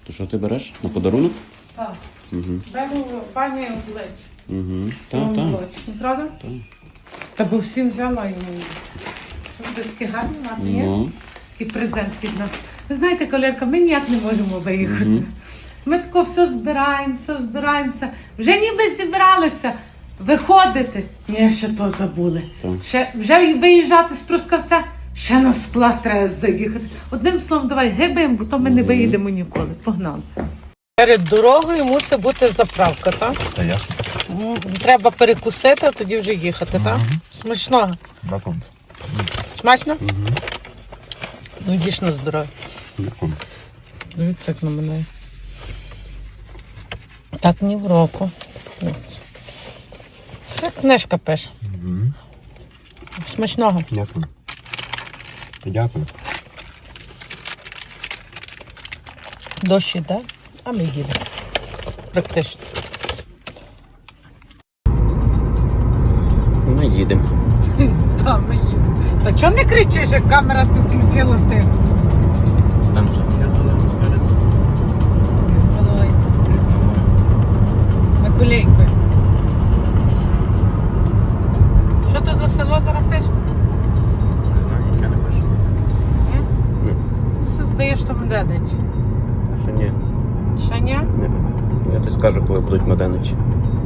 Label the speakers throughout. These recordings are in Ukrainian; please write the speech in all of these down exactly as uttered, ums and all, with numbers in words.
Speaker 1: То що ти береш? На подарунок?
Speaker 2: Так.
Speaker 1: Угу.
Speaker 2: Беру пані облич.
Speaker 1: Угу. Так, так.
Speaker 2: Правда?
Speaker 1: Так.
Speaker 2: Та бо всім взяла йому. Що це таке гарне, гарне є?
Speaker 1: Ну.
Speaker 2: І презент від нас. Ви знаєте, колірка, ми ніяк не можемо виїхати.
Speaker 1: Угу.
Speaker 2: Ми тако все збираємо, все збираємося. Вже ніби зібралися виходити. Ні, ще то забули.
Speaker 1: Так.
Speaker 2: Ще, вже виїжджати з Трускавця, ще на склад треба заїхати. Одним словом, давай гибаємо, бо то ми не
Speaker 1: Мгм.
Speaker 2: виїдемо ніколи. Погнали. Перед дорогою мусить бути заправка, так?
Speaker 3: Та ясно.
Speaker 2: М, Треба перекусити, а тоді вже їхати, так? Смачного.
Speaker 3: Дякую.
Speaker 2: Смачно?
Speaker 1: Угу.
Speaker 2: Ну, їж на здоров'я.
Speaker 1: Дякую.
Speaker 2: Дивіться, як на мене. Так ні в року. Ось. Це книжка пише.
Speaker 3: Угу.
Speaker 2: Смачного.
Speaker 3: Дякую. Дякую.
Speaker 2: Дощ іде, а ми їдемо. Практично.
Speaker 1: Ми їдемо.
Speaker 2: Так, ми їдемо. Та чого не кричиш, як камера це включила ти?
Speaker 1: Там що таке зелене спереду?
Speaker 2: З головою. Миколейкою. Що то за село зараз пише?
Speaker 1: Не знаю, нічого не пише.
Speaker 2: Ні?
Speaker 1: Ні.
Speaker 2: Все здає, що Меденич.
Speaker 1: Ще ні.
Speaker 2: Ще ні?
Speaker 1: Ні. Я тобі скажу, коли будуть Меденичі.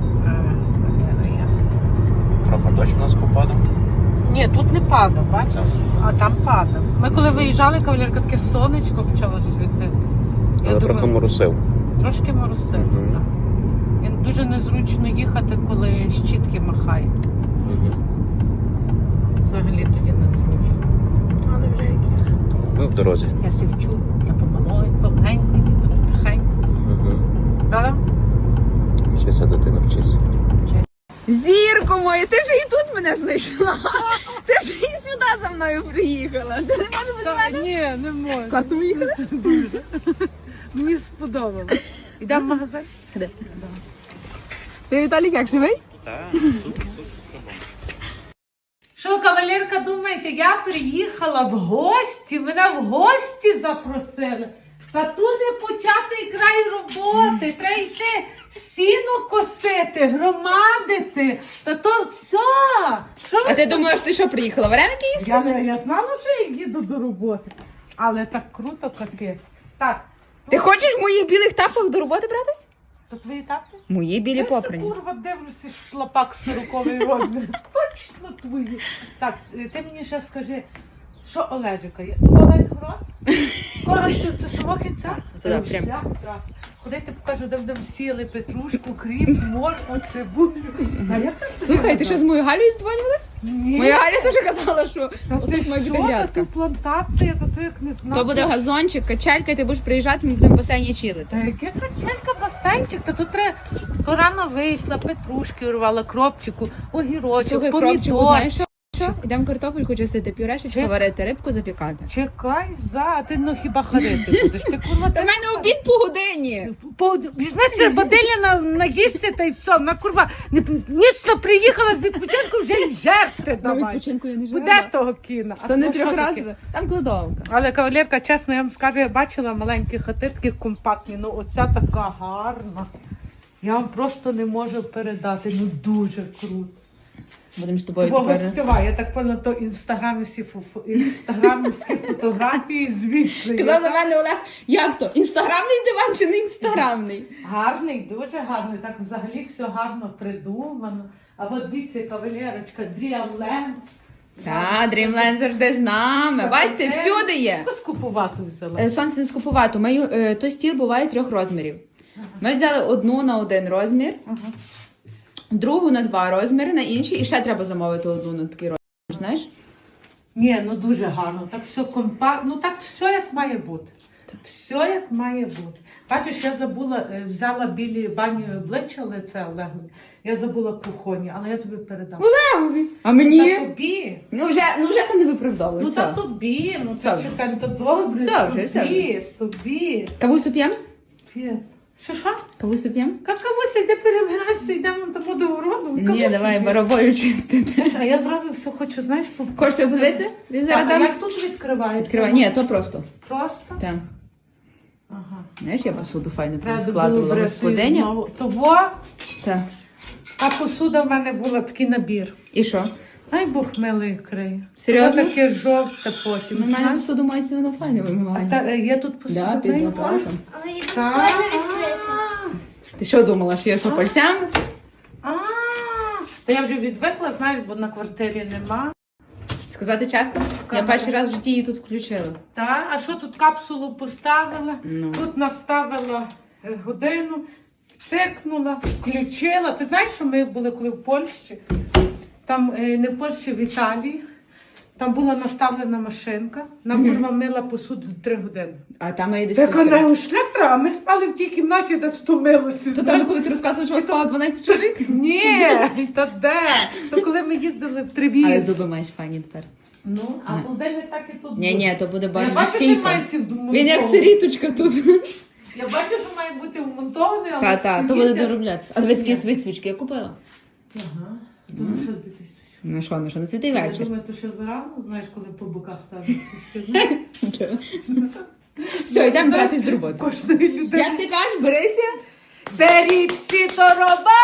Speaker 1: Трохи дощ в нас попадав.
Speaker 2: Ні, тут не падав, бачиш? А там падав. Ми коли виїжджали, кавалерка, таке сонечко почало світити. Я
Speaker 1: Але трохи
Speaker 2: думаю,
Speaker 1: моросив.
Speaker 2: трошки моросив.
Speaker 1: Мгм.
Speaker 2: так. І дуже незручно їхати, коли щітки махає.
Speaker 1: Угу.
Speaker 2: Взагалі тоді незручно. Але вже які.
Speaker 1: Ми в дорозі.
Speaker 2: Я сівчу, я помалою, помаленько їду, потихеньку.
Speaker 1: Угу.
Speaker 2: Правда?
Speaker 1: Вчися, дитина, вчися.
Speaker 4: Зірко моя, ти вже і тут мене знайшла. Ти вже і сюди за мною приїхала. Ти не можеш без мене?
Speaker 2: Ні, не можу.
Speaker 4: Класно ми їхали?
Speaker 2: Дуже. Мені сподобалось. Йдемо в магазин?
Speaker 4: Де? Ти, Віталік, як живий?
Speaker 1: Так,
Speaker 2: Що, кавалерка, думаєте, я приїхала в гості, мене в гості запросили. Та тут не початий край роботи, треба йти сіно косити, громадити. Та то все. Що ви
Speaker 4: А ти
Speaker 2: це-
Speaker 4: думала, що ти що, приїхала вареники їсти?
Speaker 2: Я, не, я знала, що я їду до роботи. Але так круто, капець. Так,
Speaker 4: Ти хочеш в моїх білих тапках до роботи братись?
Speaker 2: то твої тапки?
Speaker 4: Мої білі
Speaker 2: Я все,
Speaker 4: попрані.
Speaker 2: курва, дивлюся, шлапак сороковий розмір. Точно твої. Так, е, ти мені ще скажи, що Олежика є? Ти весь город? Кора, ти це самого кінця?
Speaker 4: Це да, прям.
Speaker 2: Шлях трав. Ходити покажу, де будемо сіли петрушку, кріп, моркву, цибулю. А як ти собі
Speaker 4: Слухай, ти що з моєю Галею здзвонювалась?
Speaker 2: Ні.
Speaker 4: Моя Галя теж казала, що
Speaker 2: Та ти
Speaker 4: отут має
Speaker 2: що?
Speaker 4: бути
Speaker 2: Та
Speaker 4: грядка.
Speaker 2: ти плантація, та ти як не знати.
Speaker 4: То буде газончик, качелька, і ти будеш приїжджати, ми будемо в басейні
Speaker 2: Та
Speaker 4: чилити.
Speaker 2: яке качелька, басейнчик, та тут треба, то рано вийшла, петрушки урвала, кропчику, огірочок,
Speaker 4: Слухай, кропчику,
Speaker 2: помідор.
Speaker 4: знаєш що? Що? Ідемо картопельку чистити, пюрешечку
Speaker 2: Чек.
Speaker 4: варити, рибку запікати.
Speaker 2: Чекай за, а ти ну хіба харити будеш? Ти курва
Speaker 4: Та в мене обід по годині.
Speaker 2: Візьми це бадилля на, на їжці та й все. На курва не, ніцно приїхала з відпочинку, вже й жерти
Speaker 4: На
Speaker 2: давай.
Speaker 4: відпочинку я не живу.
Speaker 2: Буде того кіна. А
Speaker 4: То не
Speaker 2: ну, що таке?
Speaker 4: трьохразове, там кладовка.
Speaker 2: Але кавалерка, чесно, я вам скажу, я бачила маленькі хати, такі компактні, ну оця така гарна. Я вам просто не можу передати, ну дуже круто.
Speaker 4: Будемо з тобою
Speaker 2: Твого
Speaker 4: тепер.
Speaker 2: гостьова, я так поняла, то інстаграмівські фо- інстаграмівські фотографії звідси.
Speaker 4: Казав за мене Олег, як то? Інстаграмний диван чи не інстаграмний?
Speaker 2: Гарний, дуже гарний. Так взагалі все гарно придумано. А от дивіться, кавалерочка, Дріамленд.
Speaker 4: Та, Dreamland завжди з нами. Бачите, всюди є.
Speaker 2: Що скупувати взяла?
Speaker 4: Е, Сонце не скупувати. Ми, е, той стіл буває трьох розмірів. Ми взяли одну на один розмір,
Speaker 2: Ага.
Speaker 4: другу на два розміри, на інший, і ще треба замовити одну на такий розмір, знаєш?
Speaker 2: Ні, ну дуже гарно. Так все компактно, ну так все як має бути. Все як має бути. Бачиш, я забула, е, взяла білі бані обличчя лице Олегові. Я забула кухоні, але я тобі передам.
Speaker 4: Олегові. А
Speaker 2: Та
Speaker 4: мені?
Speaker 2: тобі.
Speaker 4: Ну вже, ну вже це не виправдовує.
Speaker 2: Ну
Speaker 4: все.
Speaker 2: та тобі, ну це
Speaker 4: Все.
Speaker 2: чекай, ну, то добре,
Speaker 4: Все вже,
Speaker 2: тобі,
Speaker 4: все вже.
Speaker 2: тобі.
Speaker 4: Кавусю п'ємо?
Speaker 2: Фі. Що що?
Speaker 4: Кавусю п'ємо?
Speaker 2: Какавуся, йде перебиратися, йдемо до водогороду.
Speaker 4: Ні, давай барабою чистити.
Speaker 2: А я зразу все хочу, знаєш, по...
Speaker 4: Хочеш подивитися? Ти
Speaker 2: Так,
Speaker 4: зараз
Speaker 2: а
Speaker 4: там
Speaker 2: як тут відкривається?
Speaker 4: відкривай. Ні, то просто.
Speaker 2: Просто?
Speaker 4: Так.
Speaker 2: Ага.
Speaker 4: Знаєш, я посуду файно
Speaker 2: Треба
Speaker 4: складувала
Speaker 2: було
Speaker 4: господиня.
Speaker 2: знову. Того,
Speaker 4: Так.
Speaker 2: а посуда в мене була такий набір.
Speaker 4: І що?
Speaker 2: Ай, Бог милий криє.
Speaker 4: Серйозно?
Speaker 2: Воно таке жовте потім.
Speaker 4: У мене
Speaker 2: знаєш?
Speaker 4: посуду мається, воно файно
Speaker 2: А
Speaker 4: вимиває.
Speaker 2: та, е, є тут посуда.
Speaker 4: Да, під
Speaker 2: мию?
Speaker 4: лопатом.
Speaker 5: Але її
Speaker 2: Так.
Speaker 5: прикольно відкрити.
Speaker 4: Ти що думала, що я що пальцями?
Speaker 2: А, та я вже відвикла, знаєш, бо на квартирі нема.
Speaker 4: Сказати чесно, я перший раз в житті її тут включила.
Speaker 2: Та, а що тут капсулу поставила?
Speaker 4: Ну.
Speaker 2: Тут наставила е, годину, цикнула, включила. Ти знаєш, що ми були коли в Польщі? Там е, не в Польщі, в Італії. Там була наставлена машинка. Нам курва мила посуду три години.
Speaker 4: А там я десь
Speaker 2: Так
Speaker 4: півтори.
Speaker 2: вона шлях треба, а ми спали в тій кімнаті, де стомилося.
Speaker 4: То там, коли ти розказувала, що у вас спало дванадцять чоловік?
Speaker 2: Ні, та де? То коли ми їздили в
Speaker 4: Але
Speaker 2: Тривіз.
Speaker 4: зуби маєш файні тепер.
Speaker 2: Ну, а холодильник так і тут.
Speaker 4: Ні,
Speaker 2: був.
Speaker 4: ні, то буде
Speaker 2: Я
Speaker 4: бачити
Speaker 2: бачу, що
Speaker 4: стільки.
Speaker 2: має ці вмонтовані.
Speaker 4: Він як сиріточка тут.
Speaker 2: Я бачу, що має бути вмонтований, але
Speaker 4: Та, та, то
Speaker 2: стоїть
Speaker 4: буде
Speaker 2: як-
Speaker 4: дороблятися. А дивись, які свічки я купила.
Speaker 2: Ага. Думаю, що тобі тисячу.
Speaker 4: Ну що, ну що, на святий
Speaker 2: Я
Speaker 4: вечір.
Speaker 2: думаю, то ще зарано, знаєш, коли по боках ставить свічки.
Speaker 4: Нічого. Все, йдемо братись до роботи.
Speaker 2: Кожної людини.
Speaker 4: Як ти кажеш, берися?
Speaker 2: Беріть ці тороба!